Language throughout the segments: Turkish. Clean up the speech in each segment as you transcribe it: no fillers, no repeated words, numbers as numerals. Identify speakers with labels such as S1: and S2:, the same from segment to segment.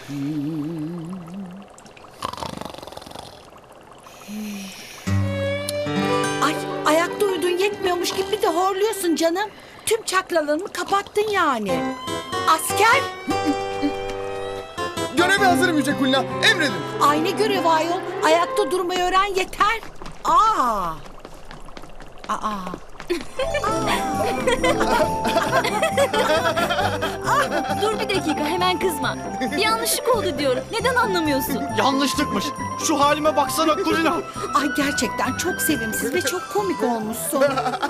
S1: Ay, ayakta uyudun yetmiyormuş gibi bir de horluyorsun canım. Tüm çakralarımı kapattın yani. Asker!
S2: Göreve hazırım Yüce Kulina. Emredin.
S1: Aynı görev ayol. Ayakta durmayı öğren yeter. Aa.
S3: Dur bir dakika, hemen kızma. Bir yanlışlık oldu diyorum. Neden anlamıyorsun?
S4: Yanlışlıkmış. Şu halime baksana Kulina.
S1: Ay gerçekten çok sevimsiz ve çok komik olmuşsun.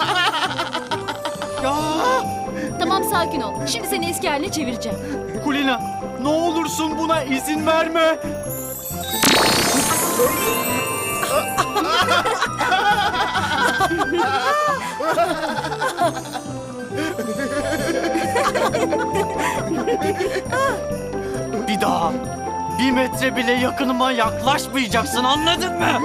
S4: Ya
S3: Tamam, sakin ol. Şimdi seni eski haline çevireceğim.
S4: Kulina, ne olursun buna izin verme. Bir daha bir metre bile yakınıma yaklaşmayacaksın, anladın mı?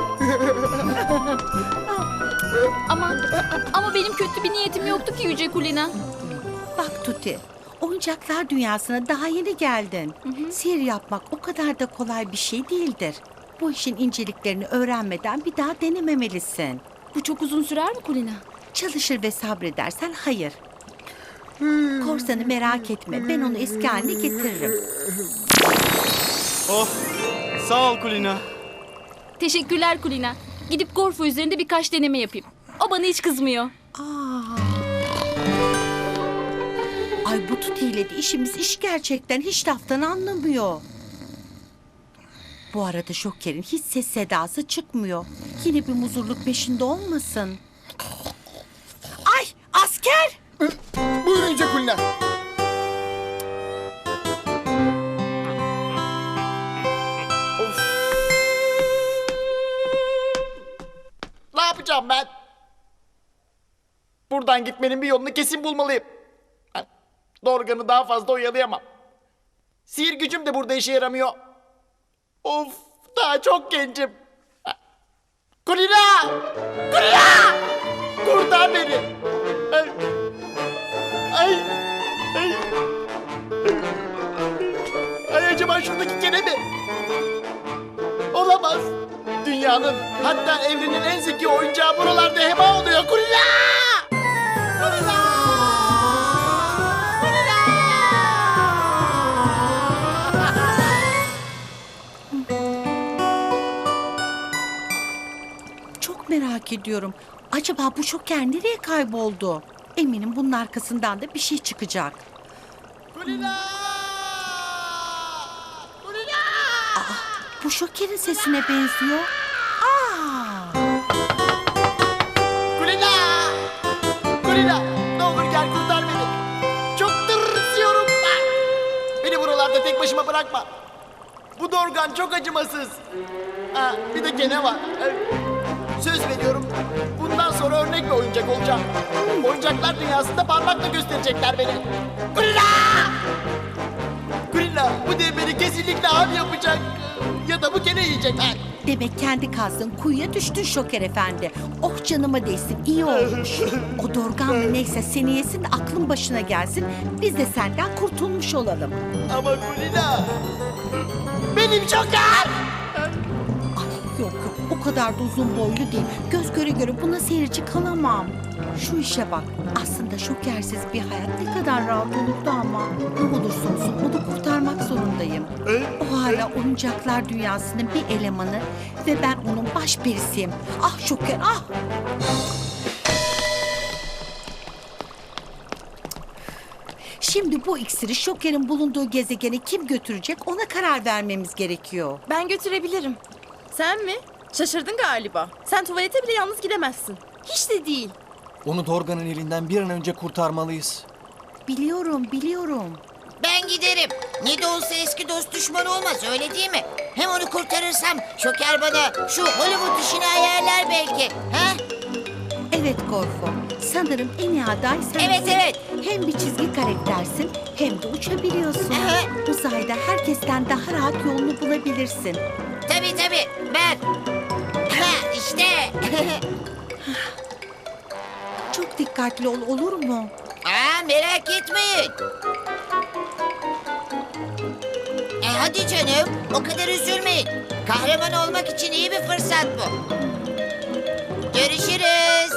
S3: Ama benim kötü bir niyetim yoktu ki Yüce Kulina.
S1: Bak Tuti, oyuncaklar dünyasına daha yeni geldin. Sihir yapmak o kadar da kolay bir şey değildir. Bu işin inceliklerini öğrenmeden bir daha denememelisin.
S3: Bu çok uzun sürer mi Kulina?
S1: Çalışır ve sabredersen hayır. Korsanı merak etme, ben onu eski haline getiririm.
S4: Oh, sağ ol Kulina.
S3: Teşekkürler Kulina. Gidip Gorfo üzerinde birkaç deneme yapayım. O bana hiç kızmıyor.
S1: Ay bu Tuti ile de işimiz iş gerçekten, hiç laftan anlamıyor. Bu arada Şoker'in hiç ses sedası çıkmıyor. Yine bir muzurluk peşinde olmasın. Ay asker!
S2: Buyurun Yüce Kulina.
S5: Ne yapacağım ben? Buradan gitmenin bir yolunu kesin bulmalıyım. Dorgan'ı daha fazla oyalayamam. Sihir gücüm de burada işe yaramıyor. Of, daha çok gencim. Kulina! Kulina! Kurtar beni. Ay. Ay. Ay. Ay acaba şuradaki kene mi? Olamaz. Dünyanın, hatta evrenin en zeki oyuncağı buralarda heba oluyor. Kulina! Kulina!
S1: Çok merak ediyorum. Acaba bu Şoker nereye kayboldu? Eminim bunun arkasından da bir şey çıkacak.
S5: Kulina! Kulina!
S1: Bu Şoker'in sesine benziyor. Aa!
S5: Kulina! Kulina! Ne olur gel kurtar beni. Çok tırsıyorum ben. Beni buralarda tek başıma bırakma. Bu Dorgan çok acımasız. Ha, bir de gene var. Söz veriyorum. Bundan sonra örnek bir oyuncak olacağım. Oyuncaklar dünyasında parmakla gösterecekler beni. Kulina! Kulina bu dev beni kesinlikle av yapacak. Ya da bu gene yiyecek. Ha.
S1: Demek kendi kazdığın kuyuya düştün Şoker Efendi. Oh canıma değsin, iyi olmuş. O dorgan mı neyse seni yesin de aklın başına gelsin. Biz de senden kurtulmuş olalım.
S5: Ama Kulina benim Şoker!
S1: Yok yok, o kadar da uzun boylu değil. Göz göre göre buna seyirci kalamam. Şu işe bak. Aslında Şokersiz bir hayat ne kadar rahat olurdu ama. Ne olursa olsun onu kurtarmak zorundayım. O hala oyuncaklar dünyasının bir elemanı ve ben onun baş perisiyim. Ah Şoker ah! Şimdi bu iksiri Şoker'in bulunduğu gezegene kim götürecek ona karar vermemiz gerekiyor.
S6: Ben götürebilirim. Sen mi? Şaşırdın galiba. Sen tuvalete bile yalnız gidemezsin. Hiç de değil.
S7: Onu Dorgan'ın elinden bir an önce kurtarmalıyız.
S1: Biliyorum.
S8: Ben giderim. Ne de olsa eski dost düşman olmaz, öyle değil mi? Hem onu kurtarırsam Şoker bana şu Hollywood işini ayarlar belki. Ha?
S1: Evet Gorfo. Sanırım en iyi aday sensin.
S8: Evet.
S1: Hem bir çizgi karaktersin hem de uçabiliyorsun.
S8: Aha.
S1: Uzayda herkesten daha rahat yolunu bulabilirsin.
S8: Tabii ben. Ha işte.
S1: Çok dikkatli ol, olur mu?
S8: Aa, merak etmeyin. hadi canım, o kadar üzülmeyin. Kahraman olmak için iyi bir fırsat bu. Görüşürüz.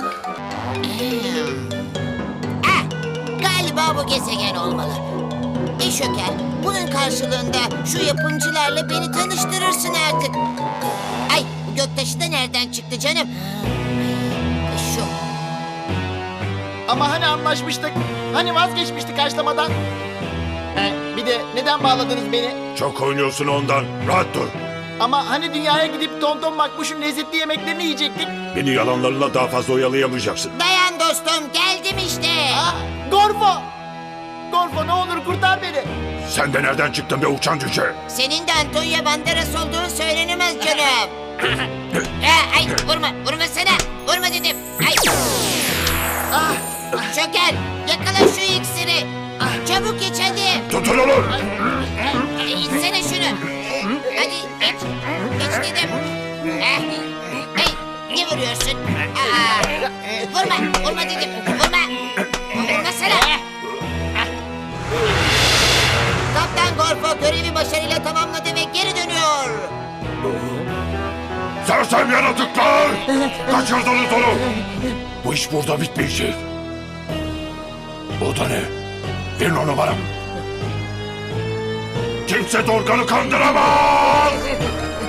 S8: Galiba bu gezegen olmalı. Şoker, bunun karşılığında şu yapımcılarla beni tanıştırırsın artık. Ay, bu göktaşı da nereden çıktı canım? Şu.
S5: Ama hani anlaşmıştık? Hani vazgeçmiştik haşlamadan? Bir de neden bağladınız beni?
S9: Çok oynuyorsun ondan. Rahat dur.
S5: Ama hani dünyaya gidip Tonton Makbuş'un lezzetli yemeklerini yiyecektik?
S9: Beni yalanlarla daha fazla oyalayamayacaksın.
S8: Dayan dostum, geldim işte.
S5: Gorfo! Gorfo ne olur kurtar beni.
S9: Sen de nereden çıktın be uçan cüce?
S8: Senin de Antonio Banderas olduğun söylenemez canım. Ay, vurma sana. Vurma dedim. Ay. Şoker, yakala şu iksiri. Çabuk iç hadi.
S9: Tutun onu.
S8: İçsene şunu. Hadi iç. İç dedim. Hey, ne vuruyorsun? Vurma dedim. Vurma sana. Kaptan Gorfo görevi başarıyla tamamladı ve geri dönüyor.
S9: Sersem yaratıklar. Kaçırdınız onu. Bu iş burada bitmeyecek. O da ne? Verin onu bana. Kimse Dorgan'ı kandıramaz.